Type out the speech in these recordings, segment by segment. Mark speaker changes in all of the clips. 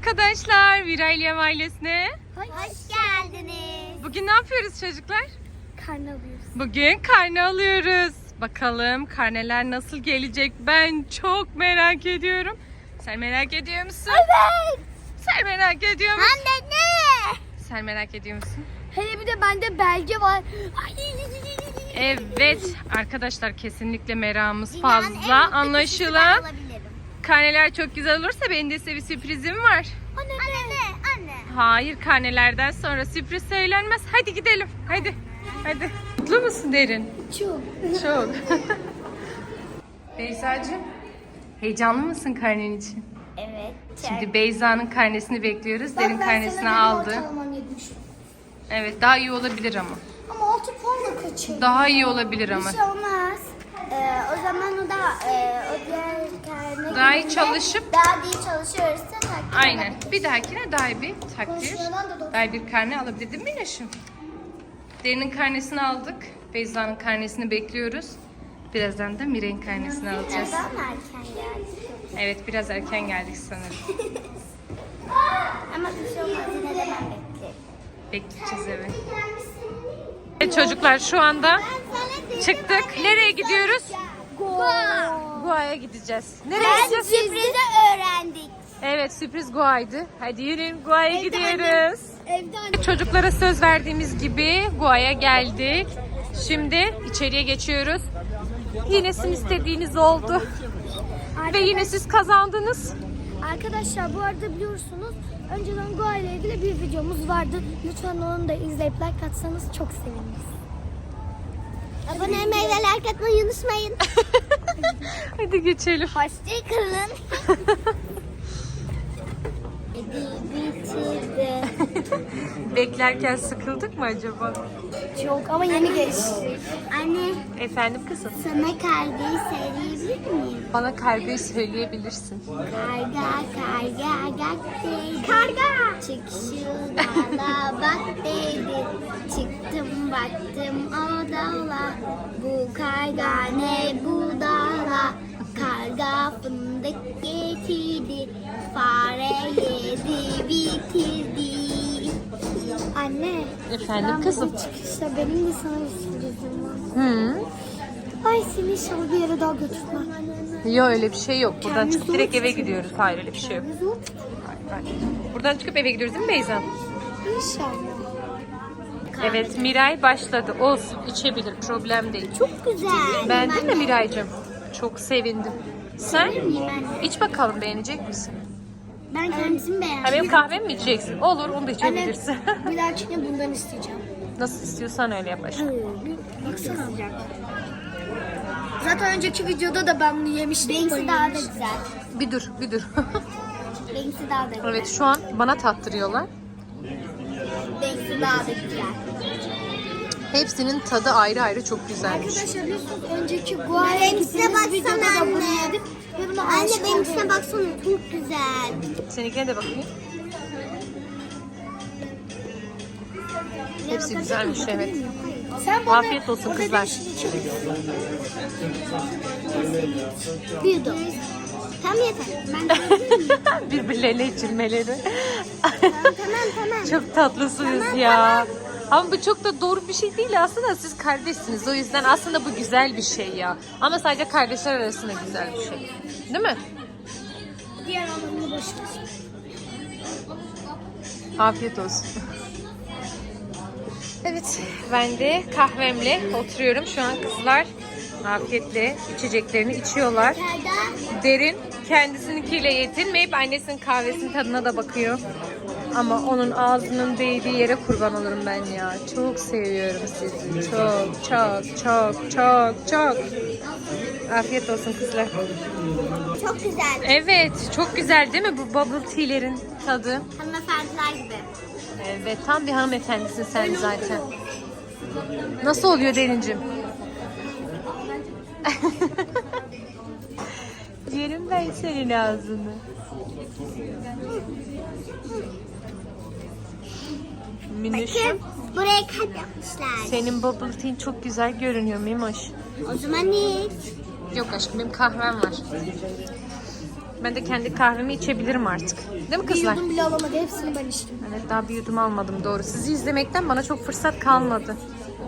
Speaker 1: arkadaşlar, Virailiyem ailesine.
Speaker 2: Hoş geldiniz.
Speaker 1: Bugün ne yapıyoruz çocuklar?
Speaker 2: Karne alıyoruz.
Speaker 1: Bugün karne alıyoruz. Bakalım karneler nasıl gelecek? Ben çok merak ediyorum. Sen merak ediyor musun?
Speaker 2: Evet.
Speaker 1: Sen merak ediyor musun?
Speaker 2: Anne ne?
Speaker 1: Sen merak ediyor musun?
Speaker 2: Hele bir de bende belge var.
Speaker 1: Evet arkadaşlar, kesinlikle meramımız fazla. Anlaşılan karneler çok güzel olursa benim de size bir sürprizim var.
Speaker 2: Anne ne? Anne.
Speaker 1: Hayır, karnelerden sonra sürpriz söylenmez. Hadi gidelim. Hadi. Hadi. Mutlu musun Derin?
Speaker 2: Çok.
Speaker 1: Çok. Beyza'cığım, heyecanlı mısın karnen için?
Speaker 2: Evet.
Speaker 1: Şimdi Beyza'nın karnesini bekliyoruz. Derin karnesini aldı. Evet, daha iyi olabilir ama.
Speaker 2: Ama 6 puanla kaçırdım.
Speaker 1: Daha iyi olabilir ama.
Speaker 2: Bir şey olmaz. O zaman o da o diğer karne
Speaker 1: Daha iyi
Speaker 2: gününde
Speaker 1: çalışıp-
Speaker 2: daha iyi çalışıyorsa takdir
Speaker 1: Aynen.
Speaker 2: edebiliriz.
Speaker 1: Bir dahakine daha iyi bir takdir,
Speaker 2: Konuşmadan da
Speaker 1: daha iyi bir karne alabilir değil mi Minnoş'um? Derin'in karnesini aldık. Beyza'nın karnesini bekliyoruz. Birazdan da Miray'ın karnesini alacağız.
Speaker 2: Neden erken geldik?
Speaker 1: Evet, biraz erken geldik sanırım.
Speaker 2: Ama bir şey olmaz, yine de ben beklerim.
Speaker 1: Bekleyeceğiz evet. Evet çocuklar, şu anda çıktık. Nereye gidiyoruz? Goa'ya gideceğiz. Nereye gideceğiz?
Speaker 2: Sürprizi öğrendik.
Speaker 1: Evet, sürpriz Goa'ydı. Hadi yürüyün, Goa'ya gidiyoruz.
Speaker 2: Evde anne.
Speaker 1: Çocuklara söz verdiğimiz gibi Goa'ya geldik. Şimdi içeriye geçiyoruz. Yine sizin istediğiniz oldu. Ve yine siz kazandınız.
Speaker 2: Arkadaşlar bu arada biliyorsunuz önceden Goa ile ilgili bir videomuz vardı. Lütfen onu da izleyip like atsanız çok seviniriz. Abone olmayı ve like atmayı unutmayın.
Speaker 1: Hadi geçelim.
Speaker 2: Hoşçakalın. Bitirdi.
Speaker 1: Beklerken sıkıldık mı acaba?
Speaker 2: Çok ama yeni geçti. Anne
Speaker 1: Efendim kızım?
Speaker 2: sana kargayı söyleyebilir miyim?
Speaker 1: Bana kargayı söyleyebilirsin.
Speaker 2: Karga gak dedi. Karga. Çık şu dala bak dedi. Çıktım baktım o dala. Bu karga ne bu dala. Karga fındık getirdi. Fare yedi bitirdi. Anne.
Speaker 1: Efendim kızım?
Speaker 2: Bu çıkışta benim de sana bir sürprizim var.
Speaker 1: Hı.
Speaker 2: Ay seni inşallah bir yere daha götürmem.
Speaker 1: Yok, öyle bir şey yok. Buradan
Speaker 2: Kendiniz
Speaker 1: çıkıp direkt
Speaker 2: zor
Speaker 1: eve
Speaker 2: tutun.
Speaker 1: gidiyoruz. Hayır, öyle bir şey yok.
Speaker 2: Zor.
Speaker 1: Hayır. Buradan çıkıp eve gidiyoruz değil mi Beyza?
Speaker 2: İnşallah.
Speaker 1: Evet, Miray başladı. Olsun, içebilir. Problem değil.
Speaker 2: Çok güzel.
Speaker 1: Beğendin mi Miray'cığım? Çok sevindim. Sen?
Speaker 2: Ben,
Speaker 1: İç bakalım, beğenecek misin?
Speaker 2: ben kendisini beğendim.
Speaker 1: Ha, benim kahvemi mi içeceksin? Olur, onu da içebilirsin.
Speaker 2: Bir dahakine bundan isteyeceğim.
Speaker 1: Nasıl istiyorsan öyle yap aşkım.
Speaker 2: Baksana. Zaten önceki videoda da ben bunu yemiştim. Benimki daha da güzel.
Speaker 1: Bir dur, bir dur.
Speaker 2: Benimki daha da güzel.
Speaker 1: Evet, şu an bana tattırıyorlar.
Speaker 2: Benimki daha da güzel.
Speaker 1: Hepsinin tadı ayrı ayrı çok güzelmiş.
Speaker 2: Arkadaşlar biliyorsunuz önceki Gua'ya gittiğimiz videoda da bunu yedik. Ve buna anne benimkine baksana çok güzel.
Speaker 1: Seninkine de bakayım. Hepsi güzelmiş, evet.
Speaker 2: Sen bana
Speaker 1: Afiyet olsun kızlar.
Speaker 2: Bir yudum. Tam yeter. Ben
Speaker 1: Birbirlerine içirmeleri.
Speaker 2: tamam.
Speaker 1: Çok tatlısınız ya. Ama bu çok da doğru bir şey değil aslında, siz kardeşsiniz. O yüzden aslında bu güzel bir şey ya. Ama sadece kardeşler arasında güzel bir şey. Değil mi?
Speaker 2: Diğer anlamını boş ver.
Speaker 1: Afiyet olsun. Evet, ben de kahvemle oturuyorum. Şu an kızlar afiyetle içeceklerini içiyorlar. Derin kendisininkiyle yetinmeyip annesinin kahvesinin tadına da bakıyor. Ama onun ağzının değdiği yere kurban olurum ben ya. Çok seviyorum sizi. Çok. Afiyet olsun kızlar.
Speaker 2: Çok güzel.
Speaker 1: Evet, çok güzel değil mi bu bubble tea'lerin tadı?
Speaker 2: Hanımefendiler gibi.
Speaker 1: Evet, tam bir hanımefendisin sen zaten. Nasıl oluyor Derincim? Yerim ben senin ağzını. Minnoşum,
Speaker 2: Buraya kalp yapmışlar.
Speaker 1: senin bubble tea'in çok güzel görünüyor Mimoş.
Speaker 2: O zaman ne?
Speaker 1: Yok aşkım, benim kahvem var. Ben de kendi kahvemi içebilirim artık. Değil mi
Speaker 2: Bir
Speaker 1: kızlar?
Speaker 2: yudum bile alamadı. Hepsini ben içtim.
Speaker 1: Evet, daha bir yudum almadım, doğru. Sizi izlemekten bana çok fırsat kalmadı.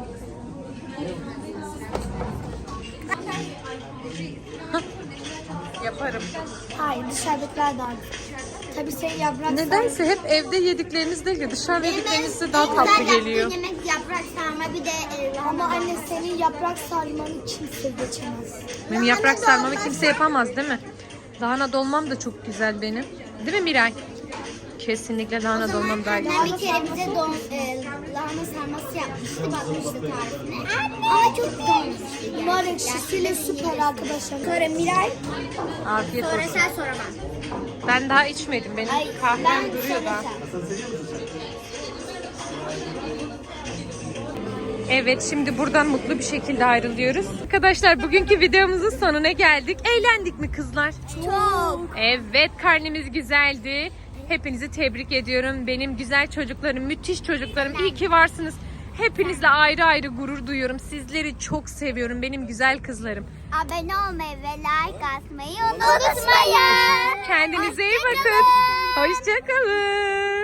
Speaker 1: Yaparım.
Speaker 2: Hayır, dışarıdakiler daha güzel. Tabii senin yaprak
Speaker 1: Nedense hep evde yedikleriniz değil de dışarıda yedikleriniz de daha tatlı geliyor.
Speaker 3: yemek yaprak sarma bir de
Speaker 2: Ama anne senin yaprak sarmanı kimse geçemez.
Speaker 1: Benim yaprak sarmamı kimse yapamaz değil mi? Lahana dolmam da çok güzel benim. Değil mi Miray? Kesinlikle lahana dolmam daha güzel.
Speaker 3: bir kere bize lahana sarması yapmıştı. Bakmıştı tarifine. Ama çok dolmuştu.
Speaker 2: Nar ekşisiyle süper arkadaşlar. Sonra Miray.
Speaker 1: Afiyet
Speaker 3: Sonra
Speaker 1: olsun.
Speaker 3: sen sonra ben.
Speaker 1: Ben daha içmedim. Benim kahvem duruyor daha. Evet, şimdi buradan mutlu bir şekilde ayrılıyoruz. Arkadaşlar, bugünkü videomuzun sonuna geldik. Eğlendik mi kızlar?
Speaker 2: Çok.
Speaker 1: Evet, karnemiz güzeldi. Hepinizi tebrik ediyorum. Benim güzel çocuklarım, müthiş çocuklarım. İyi ki varsınız. Hepinizle ayrı ayrı gurur duyuyorum. Sizleri çok seviyorum, benim güzel kızlarım.
Speaker 3: Abone olmayı ve like atmayı unutmayın.
Speaker 1: Kendinize iyi bakın. Hoşça kalın.